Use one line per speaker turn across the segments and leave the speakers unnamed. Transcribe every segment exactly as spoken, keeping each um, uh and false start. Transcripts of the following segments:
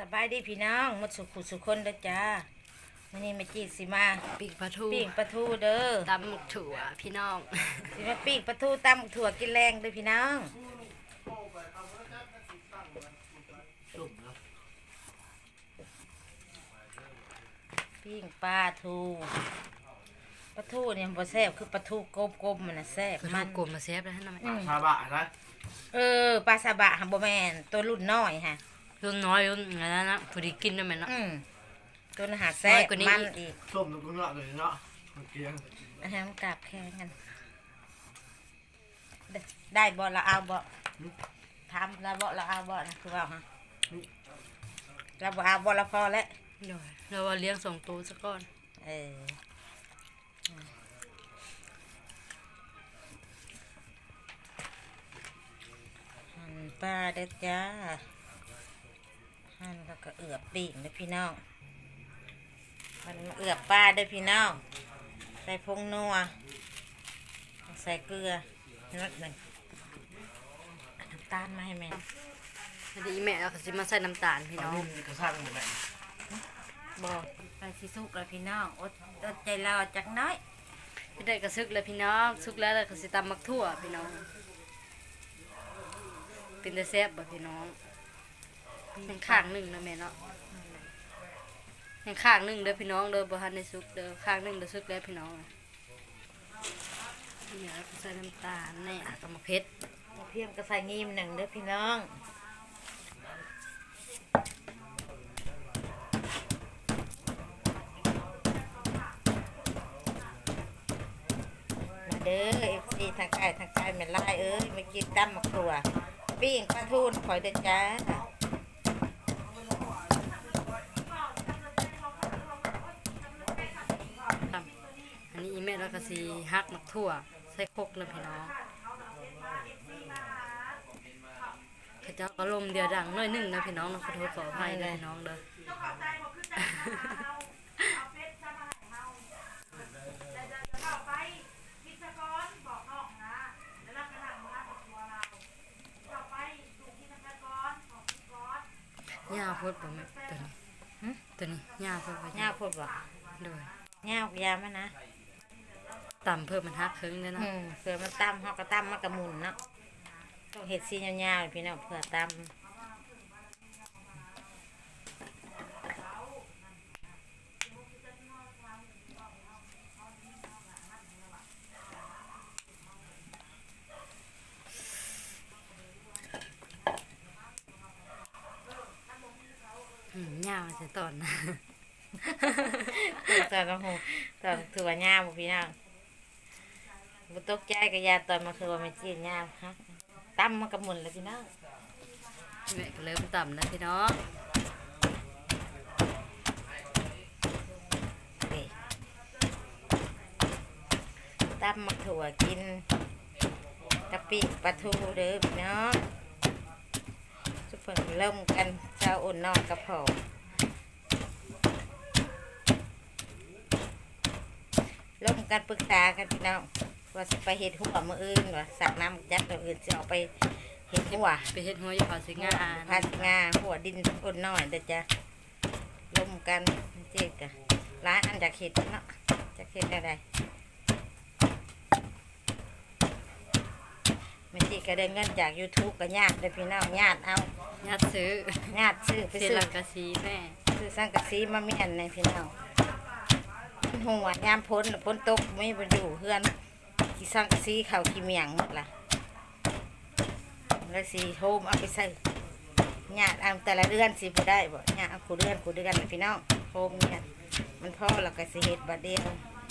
บายดีพี่น้องหมดสุขุสุขคนเด้อจ้าวันนี้มาจีสิมา
ปีกปลาทู
ปิ้งปลาทูเด้อ
ตำหมึกถั่วพี่น้อง
สิมาปิ้งปลาทูตำถั่วกินแรงเด้อพี่น้องปิ้งปลาทูปลาทูเนี่ยบ่แซ่บคือปลาทูกลมๆมันน่ะแซ่บ
มันกลมมาแซ่บแล้วนะ
ซาบะนะ
เออปลาซาบะหังบ่แม่นตัวรุ่นน้อยฮะ
รุ่นน้อยรุ่นอะไรนะพอดีกินได้ไหมเนาะ
อืมตัวอาหารแซ่บมันอีก
ส้มตรงนี้เลยเนาะเกียง
อาหารกราบแข่งกันได้บ่ละเอาบ่ทำแล้วบ่ละเอาบ่นะคือว่าฮะเราบ่เอาบ่ละพอแล้ว
เดี๋ยวเราว่าเลี้ยงสองตัวซะก่อน
เออหั่นปลาเด้อจ้าหั่นแล้วก็เอือบปีกเด้อพี่น้องมันเอือบปลาเด้อพี่น้องใส่พงนัวใส่เกลือนิดหนึ่งน้ำตาลมาให้แม่
พอดีแม่เราก็สิมาใส่น้ำตาลพี่น้อง
กระซังหมดเลย
บอกไปสิสุกเลยพี่น้องอดอดใจรอจักน้อย
พี่ได้กระซึกเลยพี่น้องซุกแล้วเราก็สิตำมักทั่วพี่น้องเป็นแต่แซ่บบ่พี่น้องยังข้างหนึ่งนะแม่เนาะยังข้างหนึ่งเด้อพี่น้องเด้อบ่ทันได้ซุกเด้อข้างหนึ่งเด้อซุกแล้วพี่น้องเนี่ยเราก็ใส่น้ำตาลแน่กับมะเพ็ด
เพียงก็ใส่งีมหนึ่งเด้อพี่น้องเด้อเอฟซีทางไก่ทางไก่แม่ไล่เอ้ยมากินตั้มมะครัวปิ้งปลาทูนคอยเด้อจ้า
อันนี้แม่เราก็สิฮักมักทั่วใส่คกเลยพี่น้องข้าเจ้าก็ลมเดียวดังน้อยหนึ่งนะพี่น้องนะขอโทษขออภัยเลยพี่น้องเด้อหญ้าพูดบ่แม่ตัวนี้ตัวนี้หญ้าพูดบ่
หญ้าพูดบ่
โดย
หญ้ายามันนะ
ต่ำเพิ่มมันฮักครึ่งเลยนะ
เผื่อมันตั้มเฮาก็ตั้มมันกระมุนเนาะต้องเห็ดซียาวๆพี่น้องเผื่อตั้ม
หญ้ามันจะตอนนะ
ตอนกระหูตอนถือว่าหญ้าบุพี่น้องบุตกใจกับยาตอนมาคือว่าไม่จีนหญ้าฮะตั้มมันกระมุนเลยพี่น้อง
แม่ก็เริ่มต่ำนะพี่น้อง
ตั้มมาถั่วกินกะปิปลาทูเด้อพี่น้องทุกคนเริ่มกันเช้าอุ่นนอนกระเพาะร่วมกันปรึกษากันพี่น้องว่าจะไปเห็ดหัวมืออื่นว่าสักน้ำยัดตัวอื่นจะเอาไปเห็ดหัว
ไปเห็ดหัวอยู่ภาษีงา
ภาษีงาหัวดินอุ่นน้อยเดี๋ยวจะร่วมกันเจ๊กันร้านอันจากเห็ดเนาะจากเห็ดอะไรมันจีก็ได้เงินจาก ยูทูบ ก็ญาติเลยพี่น้องญาติเอา
ญาติซื้อ
ญาติซื้อไปซื้อ
สังกะสีแม่
ซื้อสังกะสีมาเมียนในพี่น้องหัวยามพ้นพ้นตกไม่ไปอยู่เพื่อนกี่สังกะสีเขาขี้เมียงหมดละแล้วสีโฮมเอาไปใส่ญาติเอาแต่ละเดือนสิบ่ได้บ่ญาติเอาขู่เดือนขู่เดือนพี่น้องโฮมเนี่ยมันพ่อเราก็สิเฮ็ดบัดเดียว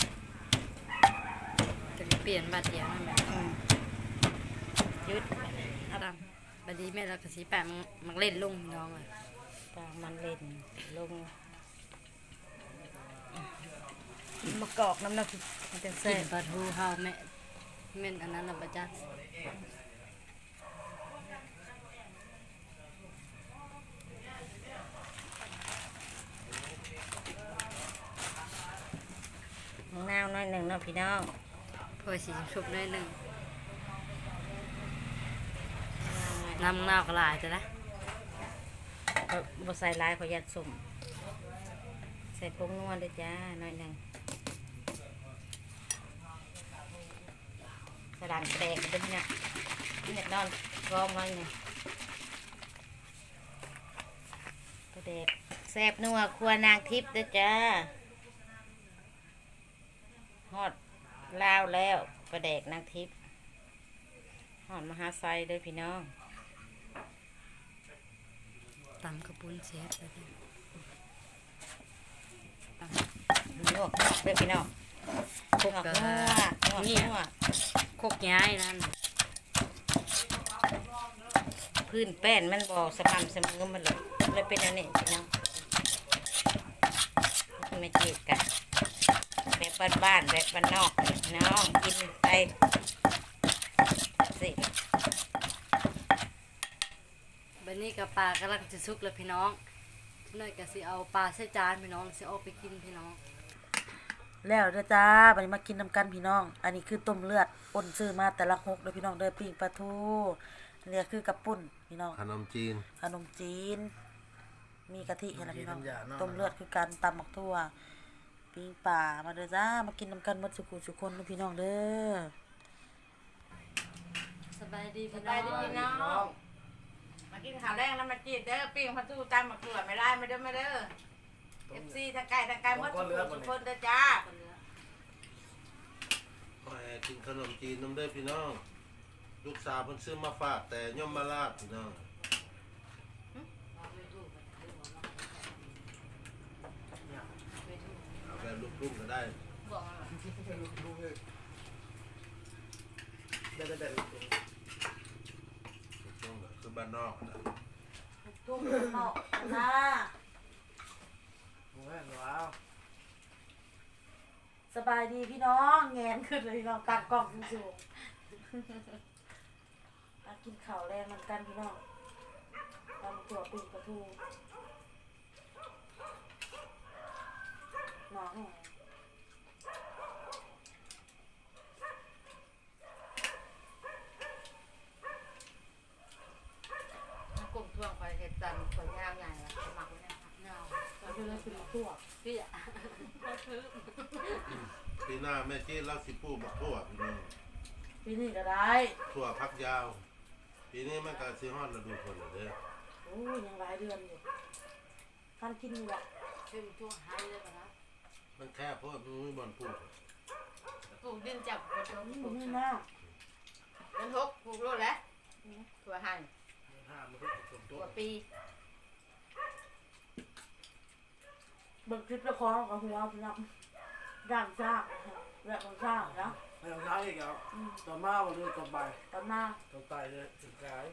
จะเปลี่ยนบัดเดียวนั่นแหละ
ยุด
ดำบัดนี้แม่เราก็สีแปะมันเล่นลงน้องเลย
ปามันเล่นลงมะกอกน้ำน้ำมันจะเส้น
ปลาทูเฮาแม่เม่นอันนั้นเราประจักษ์
น้าวน้อยหนึ่งเนาะพี่น้อง
พอสีชุบน้อยหนึ่งน้ำน้าวกระลายจะนะ
เขาบ่ใส่ลายเขายัดสุ่มใส่ผงนัวด้วยจ้าหน่อยหนึ่งสลัดแตกกันด้วยเนี่ยนี่นอนร้องไว้เนี่ยกระเด็ดแซ่บนัวครัวนางทิพย์ด้วยจ้าฮอดลาวแล้วประเด็กนางทิพย์ฮอดมหาไซเลยพี่น้อง
ตำกระปุนเสียบเลยพี่
ลวกเด้อพี่น้อง
คก
ลวก
กะ
นัวลวก
นี่
นัว
คกย้ายนั่น
พื้นแป้นมันบ่สม่ำเสมอมันเลยเลยเป็นอันนี้พี่น้องไม่จีบกันแบบบ้านๆแบบบ้านนอกพี่น้องกินไปสิ
บัดนี้กับปลากำลังจะสุกแล้วพี่น้องน้อยก็สิเอาปลาใส่จานพี่น้องสิเอาไปกินพี่น้อง
แล้วเด้อจ้าบัดนี้มากินน้ำกันพี่น้อง อันนี้คือต้มเลือดอ่นซื้อมาแต่ละหกเด้อพี่น้องเด้อปิ้งปลาทูเรียกคือกระปุ่นพี่น้อง
ขนมจีน
ขนมจีน มีกะทิเห็นไหมพี่น้องต้มเลือดคือการตำหมักทั่วปิ้งปลามาเด้อจ้ามากินน้ำกันหมดสุขุสุคนเด้อพี่น้องเด้อ
สบายดี
ส
พี่น้
บาย
อ
ดี
ง
พี่น้องมากินข้าวแรงแล้วมาจีบเด้อปิ้งพัทูตามมาเกลือไม่ได้ไม่เด้อไม่เด้อเอฟซีทางไกลทางไกลหมดทุกคนทุกคนเด้อจ้า
ขอให้กินขนมจีนน้ำเด้อพี่น้อง ลูกสาวเพิ่นซื้อมาฝากแต่ย่อมมาลาดพี่น้องเอาแบบลูกๆก็ได้
บอกมา
ดูเลยได้ได้ได้
ช่วงคือบ้านนอกนะ
ทุ่งเนาะนะ
โอ้ยว้าว
สบายดีพี่น้องแงนขึ้นเลยพี่น้องตักกล่องสูงๆมากินข้าวแรงน้ำกันพี่น้องตำตัวปิ้งปลาทูน้อง
กลุ่มช่วงคอยเห็ดจันคอยย่างใหญ่ละสมัครไว้นะคะ
เนาะ
เราจะเลยเป็นตัว
พี่อ่ะ
ปีหน้าแม่จีนเล่าสิปูบักทั่วพี่น้อง
ปีนี้ก็ได้
ทั่วพักยาว ปีนี้มันก็สิฮอดฤดูฝนแล้วเด้อ
โอ้ยยังหลายเดือนอยู่ท่านกินอยู่ละ
ช่วยช่วงหายเลยป่ะนะ
มันแค่เพราะว่ามันมีบ่อนปลูก
ปลูกดินจับกระชม
นี่
ปลูก
นี่
นะ
นะ
มันหกปลูกโลดแล้วถั่วหั่น
ห้ามันทุกคนตั
ถั่
ว
วปี
เบิกคลิปละครกับหัวพี่น้องด่างจ้าแบบของจ้านะ
ไม่ต้องใช้อีกแล้วต่อมาวันนี้ต่อไป
ตอนหน้า
ต่อไปเลยถึงกาย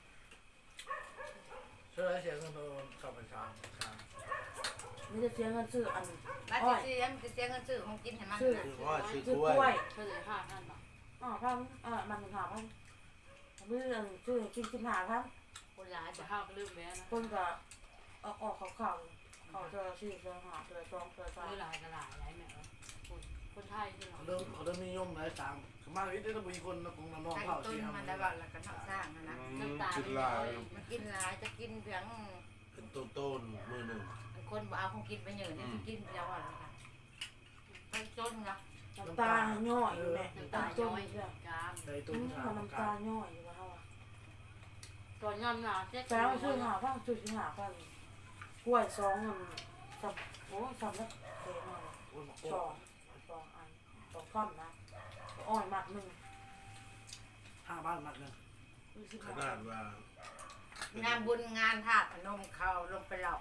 ช่วยเสียงคนโดนขับไปช้างช้าง
ไม่ได้เสียเงินซื้ออัน
บ้าน
อ้อย
ที่เสียมันจะเสียเงินซื้อของกินให้มัน
ซื้อ
นะ
คือว่าซื้อ
ซื้อก
ล้วย
ล้วย
เพื่อเลยห้าท่านเนาะ
อ๋อพันอ่ามันหาพันมือซื้อกินกินหาพัน
คนร้ายจะห้าก็ลืมแม่นะ
คนก็ออกออกเขาเข่าเขาเจอสี่เจอหาเจอสองเจอสาม
มือหลายกระหลายหลายแม่เนาะคนคนไทยใช่ไหม
เขาเริ่มเขาเริ่มนิยมหลายสามขมาวิทย์ได้ต้องมีคนของน้อง
ใช้
เผ่า
ต้น
ที่ทำ
มันได้บ้านแล้วก็ทำสร้างนะนะ
น้ำตา
กิน
ไม่
ลา
น้อย ย
มันกินหลายจะกินเพียง
เป็นต้นต้นๆมือหนึ่ง
คนบ่เอาของกินไปเยอะเนี่ยจะกินเพียงวันละค่ะไปจนนะ
น้ำตาย่อยอยู่แม่
น้ำ
ตา
ตา
จ
ย้
ม
อย
อยู่
กาม
ใน
อื
ตุ้น
ม
ชา
น้ำตาย่อยอยู่ว่าเขาอ่ะ
ตอนย่ำหนาเจ็ด
แต่ว่าซื้อหาพันซื้อหาพันกล้วยสองมันสับโอ้สับแล้วเทมา
โอ้ยหมอก
สองสองอันสองท่อนนะอ้อยมัดหนึ่ง
ห้าบ้านมัดหนึ่ง
ขนาดว่า
งานบุญงานธาตุพนมเขาลงไปหลอก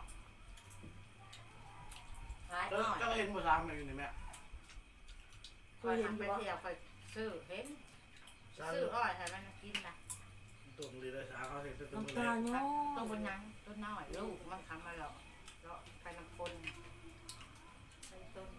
หลายห
ก็
น่อย
ก็เห็นภาษามาอยู่ในแม่
เค
คอย
ยเห็น
ทำ
อ
ไป
ยู่ว่า
เที่ยวคอยซื้อเห็น
สา
ซื้ออ้อยให้มันกินนะ
ตัวดีเลยสาเขาเห็นตัวตัว
น้ำ
เล
ตาย ย่อย
ต้นบนยังต้นน้อยลูกมันคำมาหลอกเลาะไปน้ำคนเป็นต้น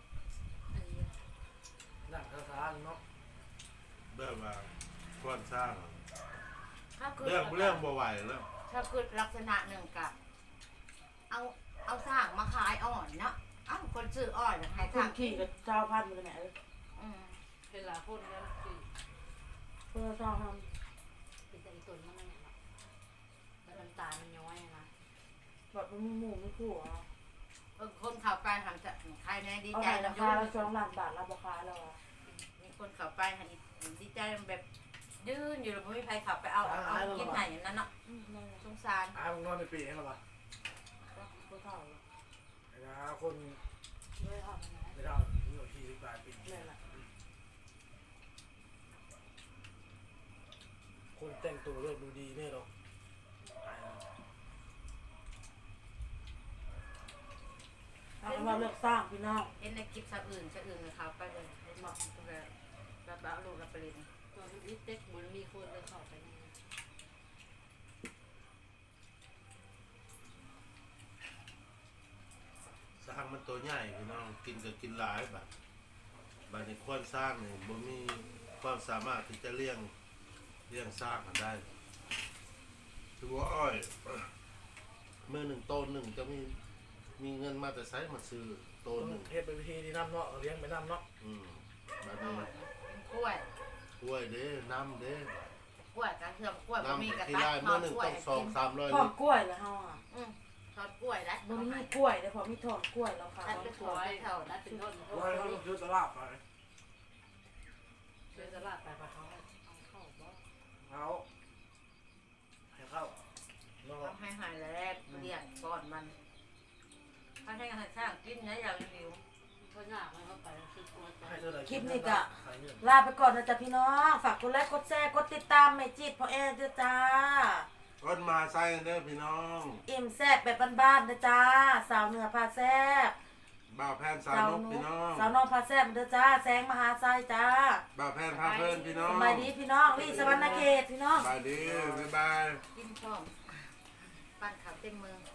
นั่งภาษาเนาะ
แบบว่าควรสร้าง
ถ้าคือ
เรื่องเรื่องบ่ไหวแล้ว
ถ้าคือลักษณะหนึ่งกับ เอาเอาสร้างมาขายอ่อนเนาะเอ้าคนซื้ออ้อยขาย
คุ
สร้า
ณ
ง
ขี่กับเจ้าพันเลยแม่เอ้ย
อืม
เป็นหลายคนแล้วคือ
เพื่อเจ้าท
เป็นแต่อีตุนมันนั่นแหละแล้วน้ำตามันย้อยนะ
ำแบบมันมีหมูมีคู่อ่ะ
เออคนเข้าไปหันจะใครแน่ดี
เอา
ใจ
ให้รา
ลำ
คา
ยุ่
ละสองล้านบาทเราบ่ค้าแล้วอ่ะ
มีคนเข้าไปหันดีใจแบบยืนอยู่แล้วไม่มีใครเข้าไปเอาเอาเอากินไหนอย่างนั้นเนาะ
อืมนั่นแหละ
สงสาร
อ้าวมึงนอนในปีให้หรอวะ
ผู้เฒ่าเลย
ไอ้นะคน
ไม่ทำนะ
ไม่ได้มีอยู่ที่ปลายปี
นั่นแหละ
คนแต่งตัวเลือกดูดีเนี่ยหรอก
เอาเป็นว่าเลือกสร้างพี่น้อง
เห็นในคลิปชาวอื่นชาวอื่นเขาไปเลยเหมาะแบบแบบเอาลูกเราไปเรียน
ตอนนี้เต็กเหมือนมีคนเลยเข้าไปใน
สร้างมันตัวใหญ่พี่น้องกินก็กินหลายบัดบัดนี้ควรสร้างนี่บ่มีความสามารถที่จะเลี้ยงเลี้ยงสร้างมันได้ถือว่าอ้อยมือหนึ่งโตนหนึ่งจะมีมีเงินมาแต่ไซมาซื้อโต
ต้
นหนึ่
อง งเทศเป็นวิธีที่น้ำเนาะเลี้ยงไปน้ำเนาะ
อืมบัดนี้
กล้วย
กล้วยเด้น้ำเด้
กล้วยกระเทียมกล้วยบะหมี่กระ
น้ำที่
ตั
ได้
ท
เมื่
อ
อ
ด
หนึ่ง
กล้วย
ต้องสองสามร้อย
ทอ
ลิ
ด
ตร
กล้วยแล้วเฮาอ่ะ
อืมทอดกล้วยได้
มันมีกล้วยแต่พอมีทอดกล้วยแล้วค่ะ
ตัดเป็นถั่วให้เท่านั้นเป็นต้น
ว่าเขาต้องซื้อตลาดไป
เดินตลาดไปปะเขาเอาเข้าบ่
เขาให้เข้าเนาะ
ทำให้หายแล้วเลี้ยงก่อนมันถ้าให้อาหารช่างกินนะอย่าหิว
เขาหน้ามันเข้าไปคือตัวใจ
ให้เท่าไหร่
คลิปนี้ก็
ขายเงิน
ลาไปก่อนนะจ๊ะพี่น้องฝากกดไลค์กดแชร์กดติดตามแม่จิตพ่อแอนด้วยจ้า
ก้นมาใส่เด้อพี่น้อง
อิ่มแซ่บแบบบ้านๆนะจ้าสาวเหนือพาแซ่บ
บ่าวแพนสาวนกพี่น้อง
สาวนอกพาแซ่บเด้อจ้าแสงมหาไซจ้า
บ่าวแพนพาเพื่อนพี่น้อง
สบายดีพี่น้องลี่สวรรณเขตพี่น้อง
สบายดีบ๊ายบาย
กินพร้อมปั้นข้าวเต็มมือ